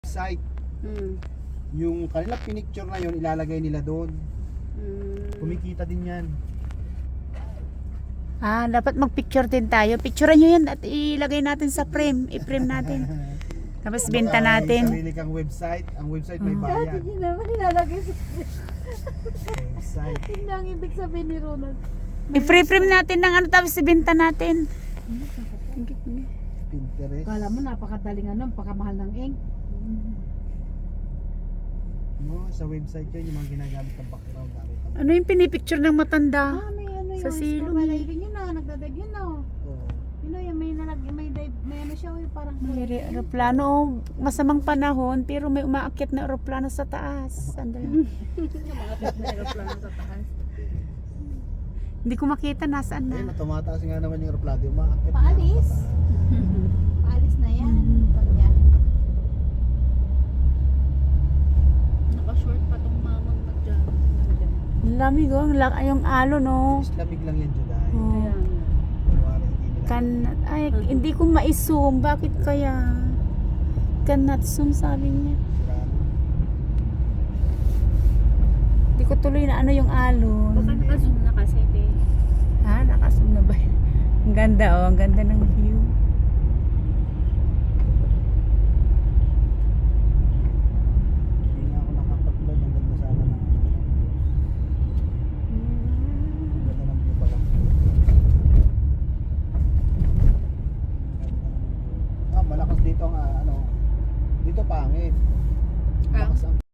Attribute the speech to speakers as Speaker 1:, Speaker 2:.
Speaker 1: website. Yung kanila pinicture na yun, ilalagay nila doon. Kumikita din yan.
Speaker 2: Ah, dapat mag-picture din tayo. Picturean nyo yan at ilagay natin sa frame. I-frame natin. Tapos benta
Speaker 1: May
Speaker 2: natin.
Speaker 1: sarili kang website. Ang website may bayad.
Speaker 3: Hindi naman nilalagay sa
Speaker 1: Website.
Speaker 3: Hindi ang ibig sabihin ni Ronald.
Speaker 2: I-frame natin ng ano tapos ibenta natin.
Speaker 1: Pinterest.
Speaker 3: Kala mo napakadaling ano, pakamahal ng ink.
Speaker 1: No, sa website yun, yung mga ginagamit ng background.
Speaker 2: Ano yung pinipicture ng matanda?
Speaker 3: May ano
Speaker 2: Sa
Speaker 3: yun,
Speaker 2: silong
Speaker 3: scuba
Speaker 2: eh.
Speaker 3: diving yun na, nagdadive yun na.
Speaker 1: Oo.
Speaker 3: Yun na, may dive, may ano siya, parang
Speaker 2: May aeroplano. Masamang panahon pero may umaakyat na aeroplano sa taas. Sandali. Hindi ko makita nasaan
Speaker 1: Ayun,
Speaker 2: na.
Speaker 1: tumataas nga naman yung aeroplano. Umaakit
Speaker 3: Paalis? Paalis na yan. Pagya.
Speaker 4: Naka-short pa tong mamang mag-jog.
Speaker 2: Lamig oh. Yung alo no.
Speaker 1: Lamig lang yan, July.
Speaker 2: Oh.
Speaker 1: Kunwari, hindi nila.
Speaker 2: Ay, hindi ko ma-zoom. Bakit kaya? Cannot zoom sabi niya.
Speaker 1: Siraan.
Speaker 2: Hindi ko tuloy na ano yung alon.
Speaker 4: Baka naka-zoom na kasi, te.
Speaker 2: Ha? Nakazoom na ba? Ang ganda oh. Ang ganda ng view.